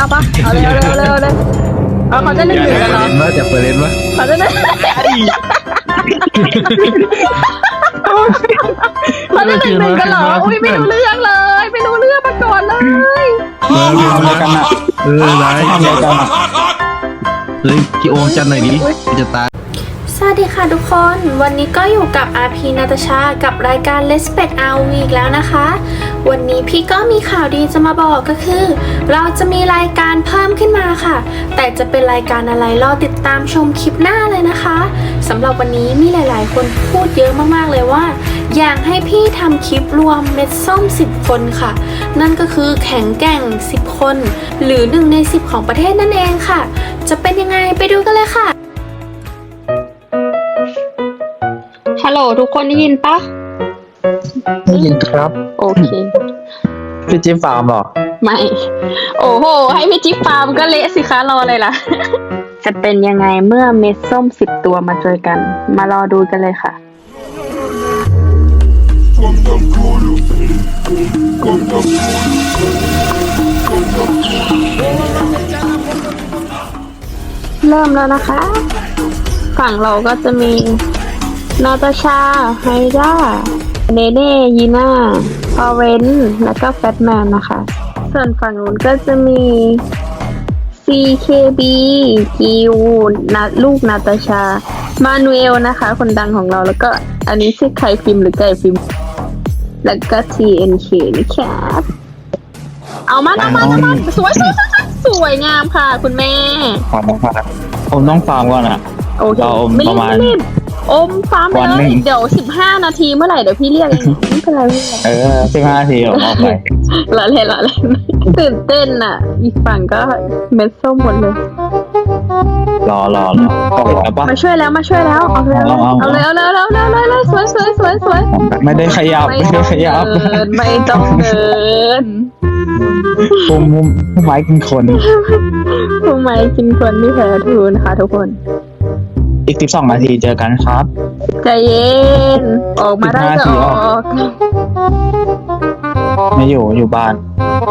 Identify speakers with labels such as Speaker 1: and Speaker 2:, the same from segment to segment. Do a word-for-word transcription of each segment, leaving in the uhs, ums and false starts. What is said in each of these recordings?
Speaker 1: ปะเอาเลยเอาเลยเอาเลยเอาเลยเอาเขาจะเล่นหนึ่งกันเหรอ
Speaker 2: มาจากเปิดเล่นวะ
Speaker 1: เขาจะเล่นเขาจะเล่นหนึ่งกันเหรออุ้ยไม่รู้เรื่องเลยไม่รู้เรื่องมาก่อนเลย
Speaker 2: มาเรียนมากันอ่ะเออไร
Speaker 3: ทำอะไรกันอ่ะ
Speaker 2: เฮ้ยพี่โอมจันหน่อยดิจะตาย
Speaker 4: สวัสดีค่ะทุกคน วันนี้ก็อยู่กับ อาร์ พี นาตาชา กับรายการ Let's Pet อาร์ วี อีกแล้วนะคะ วันนี้พี่ก็มีข่าวดีจะมาบอกก็คือ เราจะมีรายการเพิ่มขึ้นมาค่ะ แต่จะเป็นรายการอะไรรอติดตามชมคลิปหน้าเลยนะคะสำหรับวันนี้มีหลายๆ คนพูดเยอะมากๆเลยว่า อยากให้พี่ทำคลิปรวมเม็ดส้มสิบคนค่ะ นั่นก็คือแข็งแกร่งสิบคน หรือหนึ่งในสิบของประเทศนั่นเองค่ะ จะเป็นยังไงไปดูกันเลยค่ะฮัลโหลทุกคนได้ยินปะ
Speaker 3: ได้ยินครับ
Speaker 4: โอเค
Speaker 3: พี่จิ๊บฟาร์มหรอ
Speaker 4: ไม่ โอ้โห ให้พี่จิ๊บฟาร์มก็เละสิคะรอเลยล่ะ จะเป็นยังไงเมื่อเม็ดส้มสิบตัวมาเจอกัน มารอดูกันเลยค่ะ เริ่มแล้วนะคะ ฝั่งเราก็จะมี นาตาชา ไฮด้า เนเน่ ยีน่า พอเรนแล้วก็แฟตแมนนะคะ ส่วนฝั่งนู้นก็จะมี ซี เค บี กิวนาลูกนาตาชา มานูเอลนะคะ คนดังของเรา แล้วก็อันนี้ชื่อไข่ฟิล์มหรือไก่ฟิล์ม แล้วก็ ที เอ็น เค นะครับเอามาเอามาเอามาสวยสวยสวยสวยงามค่ะ คุณแม่
Speaker 3: ฟาร์มฟาร์มผมต้องฟาร์มก่อนอ่ะ
Speaker 4: โอเค
Speaker 3: เราอม
Speaker 4: ไม่
Speaker 3: ประ
Speaker 4: รีบ
Speaker 3: มาณ
Speaker 4: ไม่รีบอมฟาร์มไป
Speaker 3: วัน
Speaker 4: เล
Speaker 3: หนึ่
Speaker 4: ย
Speaker 3: ง
Speaker 4: เดี๋ยวสิบห้านาทีเมื่อไหร่เดี๋ยวพี่เรียกเองไม่เป็นไรไม่เป็นไร
Speaker 3: เออสิบห้านาทีผมออกไป
Speaker 4: ละเล่นละเล่นตื่นเต้นอ่ะ อีกฝั่งก็เม็ดส้มหมดเลย
Speaker 3: รอรอรอเข้าไปแล้วปะ
Speaker 4: มาช่วยแล้วมาช่วยแล้วเอาเลย
Speaker 3: เอาเอา
Speaker 4: เอาเลยเอาเลยเอาเลยเอาเลยเอาเลยสวยสวยสวยสวย
Speaker 3: ไม่ได้ขยับ
Speaker 4: ไม่
Speaker 3: ไม่
Speaker 4: ต้
Speaker 3: ได้
Speaker 4: อง
Speaker 3: ขยับ
Speaker 4: เดินไม่ต้องเดิน
Speaker 3: มุมมุมไม้กินคน
Speaker 4: ทำไมกินคนที่แพ้ทูนะคะทุกคน
Speaker 3: อีกสิบสองนาทีเจอกันครับ
Speaker 4: ใจเย็นออกมาได้ก็ออก
Speaker 3: ไม่อยู่อยู่บ้าน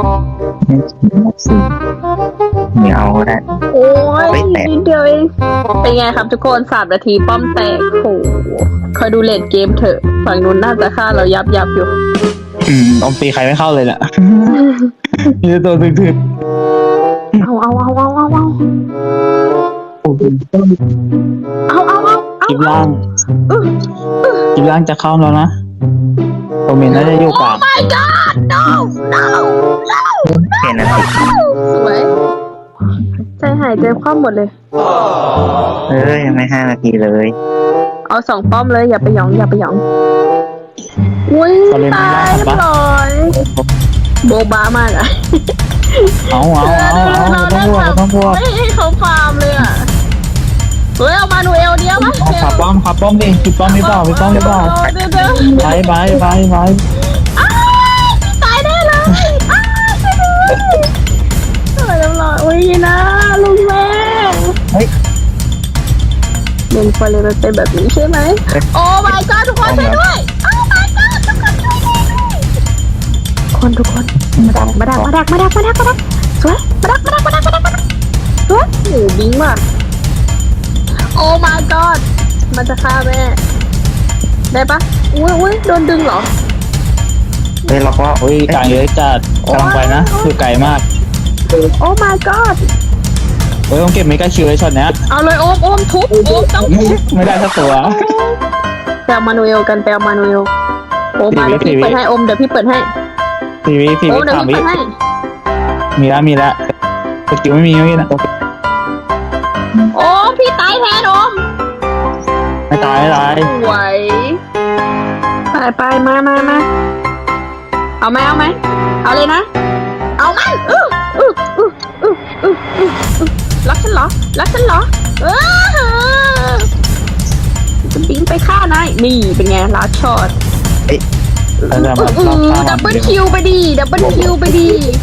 Speaker 3: ไม่เอาก็ได้
Speaker 4: โอ้ย
Speaker 3: ไม่แตะ
Speaker 4: นิดเดียวเองเป็นไงครับทุกคนสามนาทีป้อมแตกโหคอยดูเลดเกมเถอะฝั่งนู้นน่าจะฆ่าเรายับยับอยู่
Speaker 3: อืมอมตีใครไม่เข้าเลยน่ะมีแต่ตัวถึก
Speaker 4: เอาเอาเอาเอาเอาเอา
Speaker 3: ๆโอ้โห
Speaker 4: เอาเอาเอา
Speaker 3: จิบล่างจิบล่างจะเข้าแล้วนะโอเมนน่าจะอยู่กลาง
Speaker 4: my god no no no
Speaker 3: เห็นนะ
Speaker 4: สวยใจหายใจคว่ำหมดเลย
Speaker 3: เออยังไม่ห้านาทีเลย
Speaker 4: เอาสองป้อมเลยอย่าไปหยองอย่าไปหยองอุ้ย
Speaker 3: เขาเล่นไม่
Speaker 4: ตา
Speaker 3: ได้
Speaker 4: ย
Speaker 3: ครับ
Speaker 4: เรียบร้อยโบบามากอะ
Speaker 3: เอาเอาเอาเอาต้องบวกต้องบวก
Speaker 4: ไม่ให้เขาฟาร์มเลยอะเฮ้ยเอามานูเอลเดียวมั้ย
Speaker 3: เอาขับป้อมขับป้อมดิขับป้อมไม่เปล่าไม่ป้อมไม่เปล่า
Speaker 4: เดี๋ยวเดี๋ยว
Speaker 3: ไปไปไปไป
Speaker 4: อ้าวตายได้เลยอ้าวช่วยด้วยช่วยเรียบร้อยอุ้ยนะลุงแม่
Speaker 3: เฮ้ย
Speaker 4: เล่นไปเลยมันเป็นแบบนี้ใช่ไหมโอ้ my god ทุกคนช่วยด้วยโอ้ my god ทุกคนช่วยด้วยคนทุกคนมาดักมาดักมาดักมาดักมาดักมาดักสวยมาดักมาดักมาดักมาดักมาดักสวยโอ้บิงมากโอ้ my god มันจะฆ่าแม่ได้ปะอุ้ยอุ้ยโดนดึงเหรอ
Speaker 3: เฮ้ยเราก็อุ้ยกลางเยอะจัดกำลังไปนะคือไกลมาก
Speaker 4: โอ้ my god
Speaker 3: เฮ้ยต้องเก็บเมกาคิวไว้ช็อตเนี้ย
Speaker 4: เอาเลยโอมโอมทุบโอมต้องทุบ
Speaker 3: ไม่ได้สักตัว
Speaker 4: แปลมานูเอลกันแปลมานูเอลโอมมาเดี๋ยวพี่เปิดให้โอมเดี๋ยวพี่เปิดให้
Speaker 3: ทีวีที
Speaker 4: โอ
Speaker 3: วี
Speaker 4: มเดี๋ยว
Speaker 3: สาม
Speaker 4: พี่
Speaker 3: วิ
Speaker 4: เปิดให้
Speaker 3: มีแล้วมีแล้วสกิลไม่มีไม่มีนะ
Speaker 4: โอมพี่ตายแทนโอม
Speaker 3: ไม่ตายไม่ตาย
Speaker 4: ไหวไปไปมามามาเอาไหมเอาไหมเอาเลยนะ เอาไหมอื้ออื้ออื้ออื้ออื้ออื้ออื้อรักฉันเหรอรักฉันเหรอเออจะบิงไปฆ่านายนี่เป็นไงลัดช็อต
Speaker 3: แล้วจะมา
Speaker 4: อื
Speaker 3: รอบ
Speaker 4: อ
Speaker 3: ข้าง
Speaker 4: ดับเบิลคิวไปดีดับเบิลคิวไปดี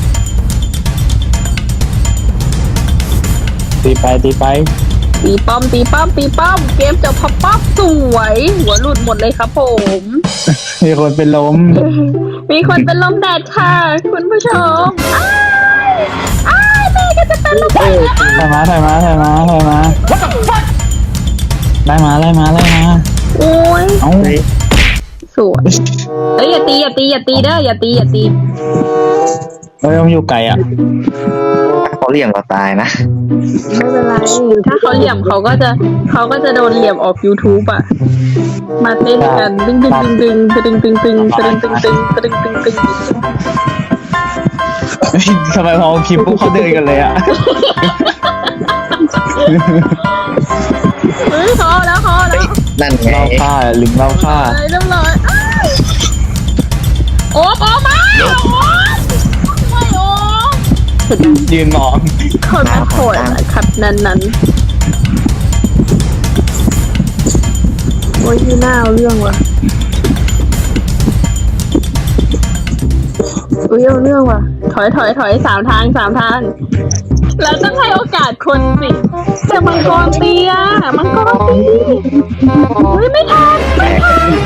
Speaker 3: ตีไปตีไป
Speaker 4: ตีป้อมตีป้อมตีป้อมเกมจบพับป๊อปสวยหัวหลุดหมดเลยครับผม
Speaker 3: มีคนเป็นลม
Speaker 4: มีคนเป็นลมแดดค่ะคุณผู้ชมอ้ายอ้ายแม่ก็จะ
Speaker 3: เออถ่ายมาถ่ายมาถ่ายมาถ่ายมาไล่มาไล่มาไล่มา
Speaker 4: โอ้ย
Speaker 3: เอ้า
Speaker 4: สวยเอ้ยอย่าตีอย่าตีอย่าตีเด้ออย่าตีอย่าตี
Speaker 3: เฮ้ยมันอยู่ไกลอ่ะ
Speaker 5: เขาเลี่ยงเราตายนะ
Speaker 4: ไม่เป็นไรถ้าเขาเหลี่ยมเขาก็จะเขาก็จะโดนเหลี่ยมออก YouTube อ่ะมาเต้นกันตึงตึงตึงตึงตึงตึงตึงตึงตึงตึงตึงตึงตึง
Speaker 3: ทำไมพอคลิปปุ๊บเขาเดินกันเลยอ่ะ
Speaker 4: เฮ้ยเขาแล้วเขาแล้ว
Speaker 5: นั่นไง
Speaker 3: เราฆ่าลิงเราฆ่า
Speaker 4: เรียบร้อยโอ้โอ้มาโอ้ไม่โอ้
Speaker 3: ยืนมอง
Speaker 4: คนมันโหดนะครับนั้นนั้นโอ้ยที่น่าเอาเรื่องว่ะอุ้ยเอาเรื่องว่ะถอยถอยถอยสามทางสามทางแล้วต้องให้โอกาสคนสิแต่มังกรตีอ่ะมังกรตีเฮ้ยไม่ทันไม่ทัน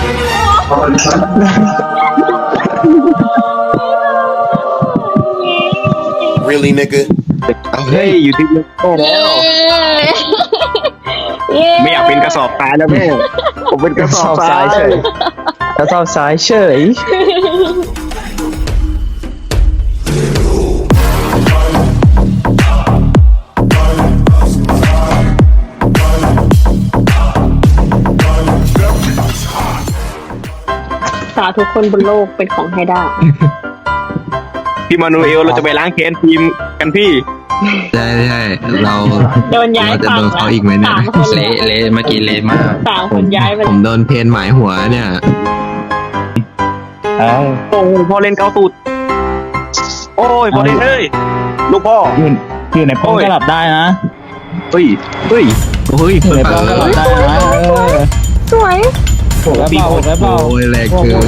Speaker 6: Really, nigga?
Speaker 5: เฮ้ยอยู่ที่โอ้
Speaker 4: เย้เย้
Speaker 5: ไม่อยากเป็นกระสอบทรายแล้วแม่ผมเป็นกระสอบทราย
Speaker 3: เฉยกระสอบซ้ายเฉย
Speaker 4: สาทุกคนบนโลกเป็นของไฮด้า
Speaker 5: พี่มานูเอลเราจะไปล้างแค้นทีมกันพี่
Speaker 2: ใช่ใช่เรา
Speaker 4: โดนย้าย
Speaker 2: เราจะ
Speaker 4: ฝั่ง
Speaker 2: โดนเขาอีกไหมเนี่ย
Speaker 4: สามคน
Speaker 2: เละเละเมื่อกี้เละมาก
Speaker 4: สาม
Speaker 2: ผ
Speaker 4: ค
Speaker 2: ม
Speaker 4: นย้ายไป
Speaker 2: ผมโดนเพนหมายหัวเนี่ย
Speaker 3: เอ้า
Speaker 5: โอ้โหพอเล่นเกาตูดโอ้ยพอเล่นเฮ้ยลูกพ่อ
Speaker 3: อยู่อยู่ในป้อมก็หลับได้นะ
Speaker 2: เฮ้ยเฮ้ยเฮ้ย
Speaker 3: อยู่ใน
Speaker 2: เปิ
Speaker 3: ป้อมก็หลับ
Speaker 2: ด
Speaker 3: ได้นะเออ
Speaker 4: สวย
Speaker 3: โหดแล้วเปล่าโหดแล้วเปล่า
Speaker 2: โอ้ยแรงเกิน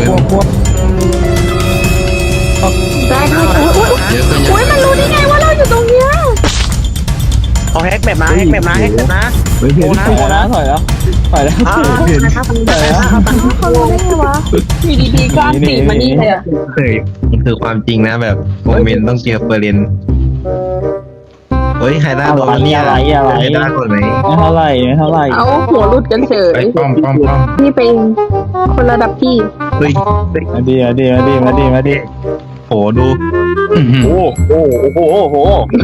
Speaker 4: ได้ได้อุ้ย
Speaker 2: เยอะก็เย
Speaker 4: อุ้ย
Speaker 2: อะ
Speaker 4: มันรู้ได้ไงว่าเราอยู่ตรงเนี้ย
Speaker 5: เอาแฮกแบบนะแฮกแบบนะแฮกแบบนะ
Speaker 2: เฮ้ยเพน
Speaker 5: โอ้นะ
Speaker 3: ถอยแล้วถอยแล้วถอยแล้ว
Speaker 2: เพน
Speaker 3: ถอยแล้ว
Speaker 4: เขารู้ได้ไงวะอยู่ดีๆก็อันตีมานี่เลยอะ
Speaker 2: เฮ้ยมันคือความจริงนะแบบโมเมนต์ต้องเจอเปอร์เรนเฮ้ยไฮด้าโดนเนี่ยไฮด้าคนไหน
Speaker 3: ไม่เท่าไหร่ไม่เท่าไหร่
Speaker 4: เอาหัวหลุดกันเฉย
Speaker 2: ไอ้ป้อมป้อมป้อม
Speaker 4: นี่เป็นคนระดับพี่
Speaker 2: เฮ้ย
Speaker 3: มาดีมาดีมาดีมาดีมาดี
Speaker 2: โหดูอื้อหือ
Speaker 5: โอ้โหโอ้โหโอ้โห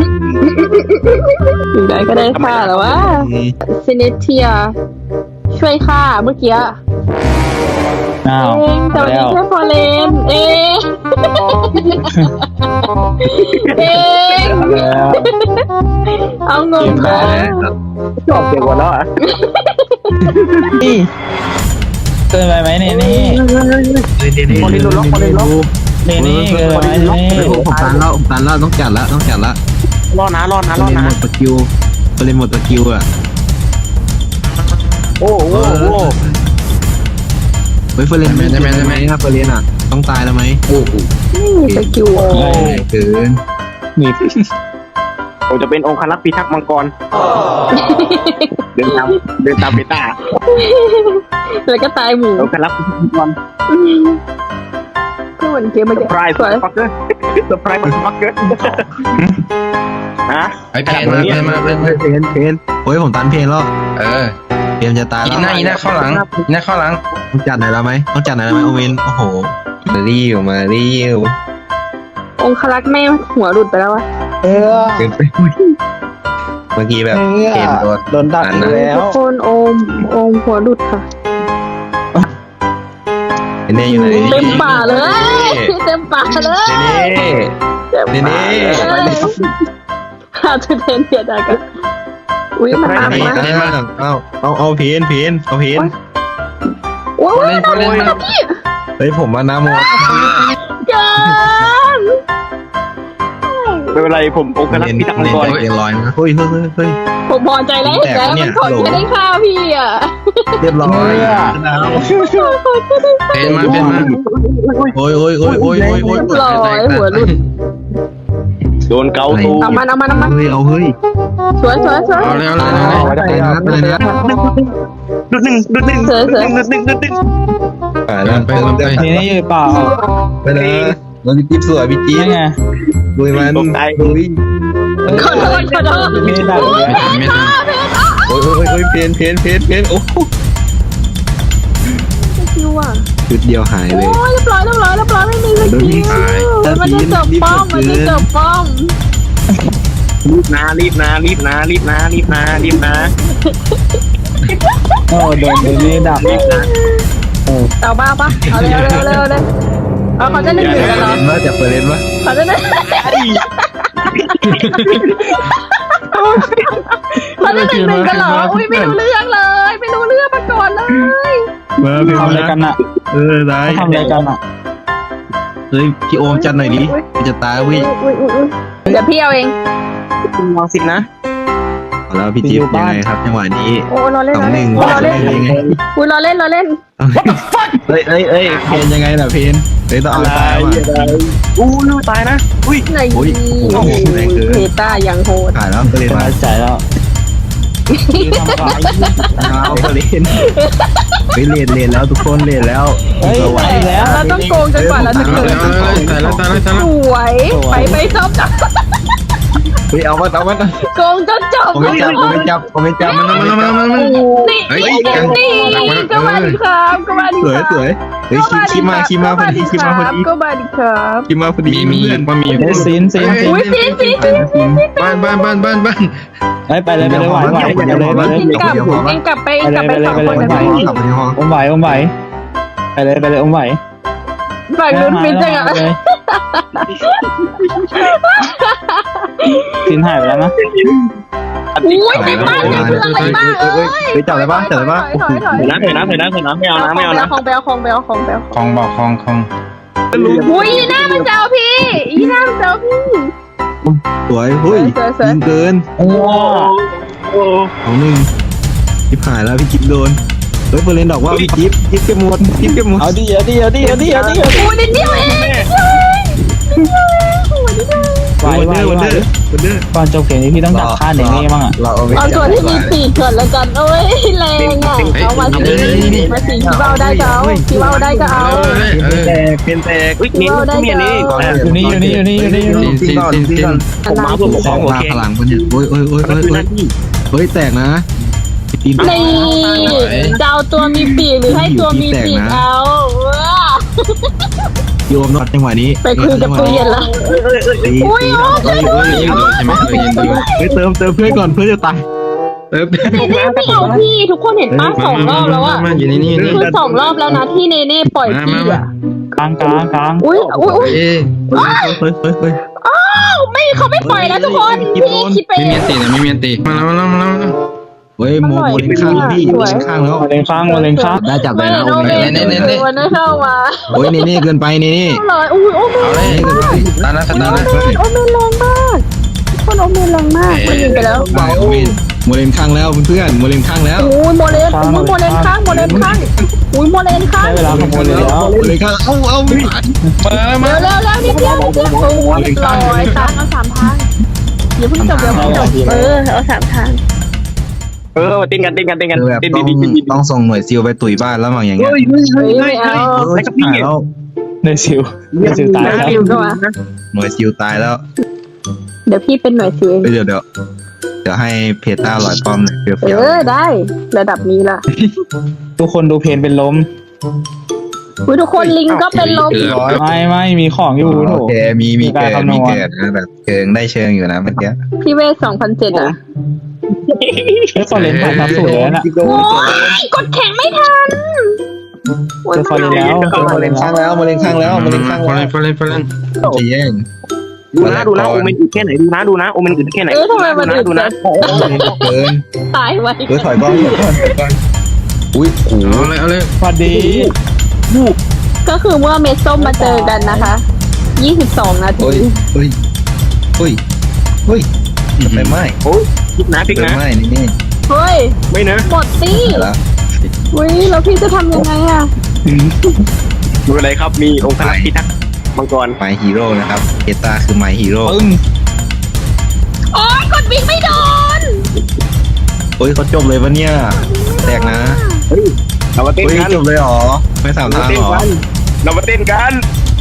Speaker 4: อยู่ได้ก็ได้ค่าแล้ววะซินิเทีย ช่วยค่าเมื่อกี้
Speaker 3: อ้าว
Speaker 4: เองแต่วัน
Speaker 3: แล้
Speaker 4: นี้
Speaker 3: ว
Speaker 4: แค่พอเลนเองเอง
Speaker 3: แล้ว
Speaker 4: เอางง
Speaker 2: ได้
Speaker 4: นะ
Speaker 2: แล้ว
Speaker 5: ชอบเด็กกว่าแล้วอ่ะ
Speaker 3: นี่เกินไปไหมนี่นี่
Speaker 2: คนนี้รู้ล็อกคนนี้ล็อก
Speaker 3: นี่นี่เกินไปไหมนี่
Speaker 2: ผมตันแล้วผมตันแล้วต้องจัดแล้วต้องจัดแล้ว
Speaker 5: รอดนะรอดนะรอด
Speaker 2: เล่น
Speaker 5: นะ
Speaker 2: หมดสกิลเล่นหมดสกิลอ่ะ
Speaker 5: โอ้โหโอ้โห
Speaker 2: เฮ้ยเฟรนได้ไหมได้ไหมถ้าเฟรนอ่ะต้องตายแล้วไหมโอ้โห
Speaker 4: ไม่มีสกิลอ่ะ
Speaker 2: เกิน
Speaker 3: มี
Speaker 5: ผมจะเป็นองค์ครักษ์พิทักษ์มังกรเดินตามเดินตามเบต้า
Speaker 4: แล้วก็ตายหมู
Speaker 5: องค์ครักษ์พิทักษ์มังกร
Speaker 4: ก็เหมือนเกมเมื่อ
Speaker 5: เซอ
Speaker 4: กี้
Speaker 5: ร์ไพรส์
Speaker 4: สวย
Speaker 5: ฟักเกอร์เซอร์ไพรส์ฟักเกอร์ฮะ
Speaker 2: ไอ้เพนมาเพนมาเพนเพนเพนโอ้ยผมตันเพนแล้วเออเพนจะตายแล้ว
Speaker 7: อีหน้าอีหน้าเข้าหลังอีหน้าเข้าหลัง
Speaker 2: ต้องจัดหน่อยแล้วไหมต้องจัดหน่อยแล้วไหมโอเวนโอ้โหมารีวมารีว
Speaker 4: องคลักษ์แม่หัวหลุดไปแล้ววะ
Speaker 3: เออ
Speaker 2: เกินไปเมื่อกี้แบบเพนตัว
Speaker 3: โดนดักอีกแล้ว
Speaker 4: ทุกคนโอมโอมหัวหลุดค่ะ
Speaker 2: เน่อยู่ไหน
Speaker 4: เต็มป่าเลยเต็มป่าเลย
Speaker 2: เน่เน่เน่
Speaker 4: อาจจะเทนเทียดากันอุ้ยมันมา
Speaker 2: เน่
Speaker 4: มา
Speaker 2: เอาเอาเอาเพนเพนเอาเพน
Speaker 4: โอ้ย
Speaker 7: พอเล่นพอเล่น
Speaker 4: พี่
Speaker 2: เฮ้ยผมมานาโม
Speaker 4: เกิน
Speaker 5: ไม่เป็นไรผมองค์ครักษ์พิทักษ์มังกร
Speaker 2: เอ็นลอยนะเฮ้ยเฮ้ยเฮ้ย
Speaker 4: ผมพอใจแล้วแล้วมันขอแค่ได้ข้าวพี่อ่ะ
Speaker 2: เรียบร้อย
Speaker 7: เพนมาเพนมา
Speaker 2: โอ้ยโอ้ยโอ้ยโอ้ยโอ้ยโอ้ย
Speaker 4: ลอยหัวหลุด
Speaker 5: โดนเกาตู
Speaker 4: เอามันเอามันเอามัน
Speaker 2: เฮ้ยเอาเฮ้ย
Speaker 4: สวยสวยสวย
Speaker 7: เอาเลยเอาเลยเอาเลย
Speaker 2: อะไรนะอะไรนะ
Speaker 5: ดุดหนึ่งดุดหนึ่งดุดหนึ่งดุดหนึ่งดุดหนึ่ง
Speaker 2: ไปแล้วไปแล้วไป
Speaker 3: นี่นี่อยู่เปล่า
Speaker 2: ไปแล้วเราจิ๊บสวยพี่จิ๊บ
Speaker 3: นี่ไง
Speaker 2: ลุยมันลุย
Speaker 4: ขอโทษขอโทษ
Speaker 3: ไม่ได้ดับ
Speaker 4: โอ้ย
Speaker 3: เลย
Speaker 4: เพนค่ะเพนอ่ะ
Speaker 2: โอ้ยโอ้ยโอ้ยเพนเพนเพนเพนโอ้โห
Speaker 4: สกิลอ่ะ
Speaker 2: ชุดเดียวหายเลย
Speaker 4: โอ้ยเรียบร้อยเรียบร้อยเรียบร้อยไม่มีสกิลมันจะจบป้อมมันจะจบป้อม
Speaker 5: รีบนะรีบนะรีบนะรีบนะรีบนะรีบนะ
Speaker 3: โอ้โดนเดนี่ดับเออ
Speaker 4: เอาบ้าปะเอาเร็วเร็วเร็วเลยเอาเขาจะหนึ่งหนึ่งกันเหรอ
Speaker 2: เล่นว่าจะเปิดเล่นวะ
Speaker 4: เขาจะหนึ่งเขาจะหนึ่งหนึ่งกันเหรออุ้ยไม่รู้เรื่องเลย ไม่รู้เรื่องมาก่อนเลย
Speaker 2: มาเพน
Speaker 3: ทำอะไรกัน
Speaker 2: นะ
Speaker 3: อ่ะ
Speaker 2: เออได้
Speaker 3: เขาทำอะไรกันอ่ะ
Speaker 2: เฮ้ยพี่โอมจัดหน่อยดิจะตายเว้ย
Speaker 4: อุ้ยอุ้ยอุ้ยเดี๋ยวพี่เอาเอง
Speaker 5: ลองสิบนะ
Speaker 2: เอาแล้วพี่จิ๊บยังไงครับจังหวะนี้
Speaker 4: โอ้รอเล่น
Speaker 2: สอ
Speaker 4: รง อ
Speaker 2: ห
Speaker 4: เล่
Speaker 2: นึ่
Speaker 4: น
Speaker 2: ง
Speaker 4: รอเล่น
Speaker 2: ยังไง
Speaker 4: อุ้ยรอเล่นรอเล่น
Speaker 2: เฮ้ยเฮ้ยเฮ้ยเพนยังไงล่ะเพนเฮ้ยต้องเอาตายว่ะ
Speaker 5: อู้ลูตายนะอุ้ย
Speaker 4: ไหน
Speaker 2: โอ้ยโอ้โหแรงเกิน
Speaker 4: เพต้ายังโหด
Speaker 2: ถ่ายแล้วเปิดเล่น
Speaker 3: ส
Speaker 2: มา
Speaker 3: บายใจแล้วคือทำขาย
Speaker 2: เอาเปิดเล่นเฮ้ยเลนเลนแล้วทุกคนเลนแล้ว
Speaker 3: เฮ้ย
Speaker 2: ไหว
Speaker 3: ไปแล้ว
Speaker 4: เราต้องโกงจนกว่าเราจะ
Speaker 7: เอา
Speaker 4: เกิ
Speaker 7: เล
Speaker 4: ด
Speaker 7: ยเอาเลยตายแล้วตายแล้วตาย
Speaker 4: ส
Speaker 7: แล้ว
Speaker 4: วยไปไปจบจับ
Speaker 2: เฮ้ยเอามาเอามา
Speaker 4: โกงจนจบ
Speaker 2: ผมไม่จับผมไม่จับผมไม่จับ
Speaker 7: มันมันมันมันมัน
Speaker 4: นี่
Speaker 7: เฮ้ย
Speaker 4: นี่
Speaker 7: กัน
Speaker 4: นี่
Speaker 7: หลักไว้
Speaker 4: ก็มาดิครับก็มาดิ
Speaker 2: สวยสวยเฮ้ยคิคิมาคิมาพอดีคิมาพอดี
Speaker 4: ก็มาดิครับ
Speaker 2: คิมาพอดี
Speaker 7: มีมี
Speaker 2: เพื่อน
Speaker 7: บะหมี่
Speaker 3: เฮ้ยซีนซีนซีน
Speaker 4: อุ้ยซีนซีนซีนซีน
Speaker 7: บ้านบ้านบ้านบ้านบ้าน
Speaker 3: เฮ้ยไปเลยไปเลยไหวไหวไปเลยไปเลย
Speaker 4: เองกลับเองกลับไปกลับไปสองคนกัน
Speaker 2: กลับไปในห้อง
Speaker 3: อมไหวอมไหวไปเลยไปเลยอมไหว
Speaker 4: ฝั่งนู้นฟินจังอ่ะ
Speaker 3: ซีนหายไปแล้วนะ
Speaker 4: อุ้ยในบ้านยังเพื่อนอะไรบ้างเอ้ย
Speaker 2: เฮ้ยจับอะไรบ้างจับอะไรบ้าง
Speaker 4: ถอยถอยถอย
Speaker 5: เถอะนะเถอะนะเถอะนะเถอะนะไม่เอานะไม่เอานะ
Speaker 4: ของเบลของเบลของเบล
Speaker 7: คลองบอกคลองคลอง
Speaker 4: อุ้ยอีน่ามันเจ้าพี่อีน่ามันเจ้าพี่
Speaker 2: สวยเฮ้ยยิงเกิน
Speaker 3: ว้า
Speaker 5: โอ้
Speaker 2: เอาหนึ่งจิ๊บหายแล้วพี่จิ๊บโดนเฮ้ยเปิดเล่นดอกว่าพี่จิ๊บจิ๊บเก็บหมดจิ๊บเก็บหมด
Speaker 3: เอาดิเอาดิเอาดิเอาดิเอาดิ
Speaker 4: อุ้ยนิดเดียวเองนิดเดียวเองนิดเดียวเองโอ้ยนิดเดียว
Speaker 3: ไหวไหว
Speaker 2: วัน
Speaker 3: ไหว
Speaker 2: เดอร์วันเดอร์
Speaker 3: ก่อนจบเกมนี้พี่ต้องดักฆ่าเนเน่บ้างอ่ะ
Speaker 2: เราเอาไป
Speaker 4: เอาตัวที่มีปีกก่อนแล้วกันโอ้ยแรงอ่ะเอามาสิมาสิที่เบ้าได้ก็เอาที่เบ้าได้ก็เอา
Speaker 7: เออ
Speaker 2: แตกเป็นแตก
Speaker 5: อุ้ยเน้นทุเรียนนี่
Speaker 3: อยู่นี่อยู่นี่อยู่นี่อยู่นี่อยู่นี่
Speaker 2: ซินก่อนซินก่อน
Speaker 5: ผมมาเพื่อปกครองโอ
Speaker 2: มา
Speaker 5: เค
Speaker 2: พลังคนเนี่ยโอ้ยโอ้ยโอ้ย
Speaker 5: มัน
Speaker 2: โอ้ย
Speaker 5: คือหน้าที่
Speaker 2: เฮ้ยแตกนะตีน
Speaker 4: นี่จะเอาตัวมีปีกหรือให้ตัวมีปีกเอาว้า
Speaker 2: โยมนอดจังหวะนี้
Speaker 4: ไปคุยกับตู้เย็นละ
Speaker 2: ตี
Speaker 4: อุ้ย
Speaker 2: ตี
Speaker 4: โอ้
Speaker 2: เฮ้ยเฮ้ย
Speaker 7: เย็นดีใช่ไหมเออเย็นดี
Speaker 2: เฮ้ยเติมเติมเพื่อนก่อนเพื่อนจะตายเติม
Speaker 4: เนเน่ไม่เอาพี่ทุกคนเห็นป้าสองรอบแล้วอะ
Speaker 7: มาอยู่นี่นี่นี่
Speaker 4: คือสองรอบแล้วนะที่เนเน่ปล่อยพี่อะ
Speaker 3: กลางกลางกลาง
Speaker 4: อุ้ยอุ้ยอุ้ย
Speaker 7: เอ๊ะ
Speaker 2: เฮ้ยเฮ้ยเฮ้ยเฮ้ย
Speaker 4: อ้าวไม่เขาไม่ปล่อยแล้วทุกคนพี่คิดไป
Speaker 7: ไม่มีตีนะไม่มีตีมาแล้วมาแล้วมาแล้ว
Speaker 2: เฮ้ยโมโมเลนข้างพี่เลนข้างแล้ว
Speaker 3: มาเลงข้างมาเลงข้าง
Speaker 2: ได้จับเลยนะ
Speaker 4: โอ
Speaker 2: โอ้
Speaker 4: เม
Speaker 2: ย
Speaker 4: นวันนั้นเข้ามา
Speaker 2: โอ้ยเนเน่เกินไปเนเน่
Speaker 4: เลยอุ้ยโอเมน
Speaker 7: เอาเลยตาหน้าตาหน้า
Speaker 4: โอเมนแรงมากคนโอเมนแรงมากมันยิงไปแล้ว
Speaker 2: ไปโอ้ยโมเลนข้างแล้วเพื่อนโมเลนข้างแล้ว
Speaker 4: อุ้ยโมเลนอุ้ยโมเลนข้างโมเลนข้างอุ้ยโมเลนข้าง
Speaker 3: ได้เวลาขโมยเลยแล้ว
Speaker 2: โมเลนข้างเอ้าเอ้าไม่ผ่าน
Speaker 7: มา
Speaker 4: เร็วเร็วเร็วนิดเดียวนิดเดียวโอ้ยลอยทางเอาสามทางอย่าเพิ่งจบเดี๋ยวเพิ่งจบเออเอาสามทาง
Speaker 5: เออเต้นกันเต้นกันเต้นกัน
Speaker 2: คือแบบ
Speaker 5: เต้น
Speaker 2: ต้
Speaker 5: ดี
Speaker 2: อง
Speaker 5: ดีดี
Speaker 2: ต้องส่งหน่วยซิลไปตุ๋ยบ้านแล้วมั้งอย่างเงี้ย
Speaker 5: เฮ้ยเฮ้ย
Speaker 4: เฮ้
Speaker 5: เฮ้
Speaker 4: ย
Speaker 5: ย
Speaker 4: ไม่
Speaker 5: เฮ้ย
Speaker 4: เอา
Speaker 2: เออจะผ่านแล้ว
Speaker 3: ในซิวในซิวตายแล้ว
Speaker 4: ซิลก็มา
Speaker 2: หน่วยซิลตายแล้ว
Speaker 4: เดี๋ยวพี่เป็นหน่วยซิลเอง
Speaker 2: เฮ้ยเดี๋ยวเดี๋ยวเดี๋ยวให้เพต้าลอยป้อมหน่อยเฟี้ยว
Speaker 4: เอ
Speaker 2: เฟี้ยว
Speaker 4: อได้ระดับนี้ล่ะ
Speaker 3: ทุกคนดูเพนเป็นล้ม
Speaker 4: อุ้ยทุกคนลิงก็เป็นลม
Speaker 3: ไม่ไม่มีของอยู่โถ
Speaker 2: โอเคมีมีเกิด
Speaker 3: มีการคำนวณ
Speaker 2: มีเกิดนะแบบเชิงได้เชิงอยู่นะเมื่อกี้
Speaker 4: พี่เวสสองพันเจ็ดอ่ะ
Speaker 3: เฮ้ยฟอร์เรนผ่านทับสูตรแล้วน่ะ
Speaker 4: โอ้ยกดแข่งไม่ทัน
Speaker 3: เจอฟอร์เรนแล้วเจอฟอ
Speaker 2: มา
Speaker 3: ร์เร
Speaker 2: เล่
Speaker 3: น
Speaker 2: นข้าง
Speaker 3: แล้ว
Speaker 2: แล้วมาเล่นข้างแล้วมาเล่นข้าง
Speaker 7: ฟอ
Speaker 2: แล้
Speaker 7: ร์เร
Speaker 2: วน
Speaker 7: ฟอร์เรนฟอร์เรน
Speaker 2: จะแย่ง
Speaker 5: ดูนะดูนะโอเมนอึดแค่ไหนดูนะดูนะโอเมนอึดแค่ไหน
Speaker 4: เออทำไมมัน
Speaker 5: ดู
Speaker 4: อึ
Speaker 5: นะ
Speaker 4: ด
Speaker 5: ดู
Speaker 4: จั
Speaker 5: นะ
Speaker 4: ง
Speaker 2: เกิน
Speaker 4: ตายไว้
Speaker 2: เออถอยก้อนถอยก้อนถอยก้อนอุ้ยโอ้โห
Speaker 7: เอาเลยเอาเลย
Speaker 3: สวัสดี
Speaker 4: ก็คือเมื่อเมสส้มมาเจอกันนะคะยี่สิบสองนาที
Speaker 2: เฮ้ยเฮ้ยเฮ้ยเฮ้ยจะไปไหม
Speaker 5: โอ้ยพลิกนะพลิก
Speaker 2: ไป
Speaker 5: นะ
Speaker 2: ไหมนี่นี่
Speaker 4: เฮ้ย
Speaker 5: ไม่นะ
Speaker 4: หมดตี้
Speaker 2: แล้ว
Speaker 4: อุ้ยแล้วพี่จะทำยังไงอ่ะ
Speaker 5: ดูอะไรครับมีองค์พระพิทักษ์มังกร
Speaker 2: ไมฮีโร่นะครับเพต้าคือไมฮีโร่
Speaker 3: ปึ้ง
Speaker 4: โอ้ยกดวิ่งไม่โดน
Speaker 2: เฮ้ยเขาจบเลยวะเนี่ยแตกนะ
Speaker 5: เรามาเต้น
Speaker 2: เฮ้ย
Speaker 5: กัน
Speaker 2: จบเลยเหรอไม่สาม
Speaker 5: เรา
Speaker 2: ทาง
Speaker 5: เต้น
Speaker 2: เหรอ
Speaker 5: กันเรามาเต้นกัน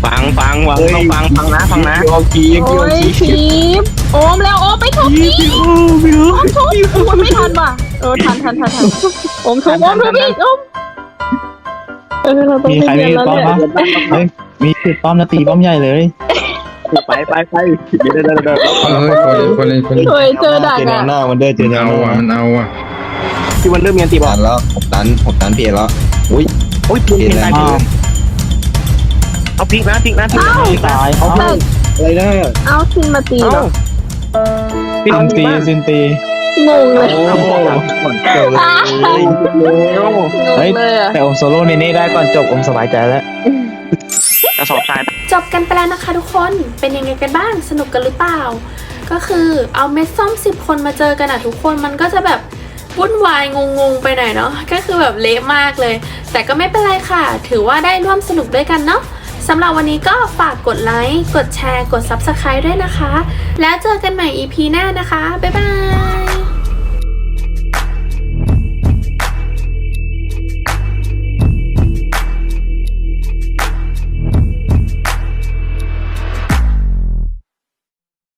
Speaker 5: ฟังฟังฟังต้องฟังฟังนะฟังนะ
Speaker 2: โยกีโย
Speaker 4: โอ้ย
Speaker 2: กี
Speaker 4: ทีมโอมแล้วโอมไปทุบทีโอมทุบโอมไม่ทันว่ะเออทันทันทันทันโอมทุบโอมทุบอีกโอมเออเราต้อง
Speaker 3: มี
Speaker 4: ไป
Speaker 3: ใคร
Speaker 4: เรี
Speaker 3: มี
Speaker 4: ยนแล้ว
Speaker 3: ป้อม
Speaker 4: แหละ
Speaker 3: ปะเฮ้ยมีจุดป้อมนะตีป้อมใหญ่เลย
Speaker 5: ไปไปไปเดี๋ยวเดี๋ยวเดี๋ยวเดี๋ยว
Speaker 7: เฮ้ยคนเลยคนเลยคนเลย
Speaker 4: เฮ้ยเจอดัก
Speaker 2: เจอแน
Speaker 4: อ่ะ
Speaker 2: วหน้ามันด้วยเจอแนว
Speaker 7: เอา
Speaker 2: หน้า
Speaker 7: อ่ะมันเอาอ่ะ
Speaker 5: ที่วันเริ่มเมียนตีบอ
Speaker 2: ตั
Speaker 5: ก
Speaker 2: นแล้วหกตันหกตันเพจแล้วอุ้ย
Speaker 5: โอ้ยพิง
Speaker 2: เพจ
Speaker 5: พิง
Speaker 2: แร
Speaker 5: ตาย
Speaker 2: ง
Speaker 5: พิง
Speaker 2: เกิน
Speaker 5: เอาพิงนะพิงนะพิงนะ
Speaker 3: ตายเขา
Speaker 4: แต่
Speaker 2: อะไรนะ
Speaker 4: เอาคินมาตีเหรอ
Speaker 5: พิง
Speaker 3: ซินตี
Speaker 5: บ้าน
Speaker 3: ซินตี
Speaker 4: งงเลย
Speaker 2: โอ้โหเกิดเลย
Speaker 3: เฮ้ย
Speaker 4: เลยอะ
Speaker 3: แต่อมโซโล่เนเน่ได้ก่อนจบอมสบายใจแล้ว
Speaker 5: กระสอบทราย
Speaker 6: จบกันไปแล้วนะคะทุกคน เป็นยังไงกันบ้าง สนุกกันหรือเปล่า ก็คือเอาเม็ดส้มสิบคนมาเจอกันอะทุกคนมันก็จะแบบวุ่นวายงงๆไปหน่อยเนาะ ก็คือแบบเละมากเลย แต่ก็ไม่เป็นไรค่ะ ถือว่าได้ร่วมสนุกด้วยกันเนาะสำหรับวันนี้ก็ฝากกดไลค์ กดแชร์ กด ซับสไครบ์ ด้วยนะคะ แล้วเจอกันใหม่ อี พี หน้านะคะ บ๊ายบาย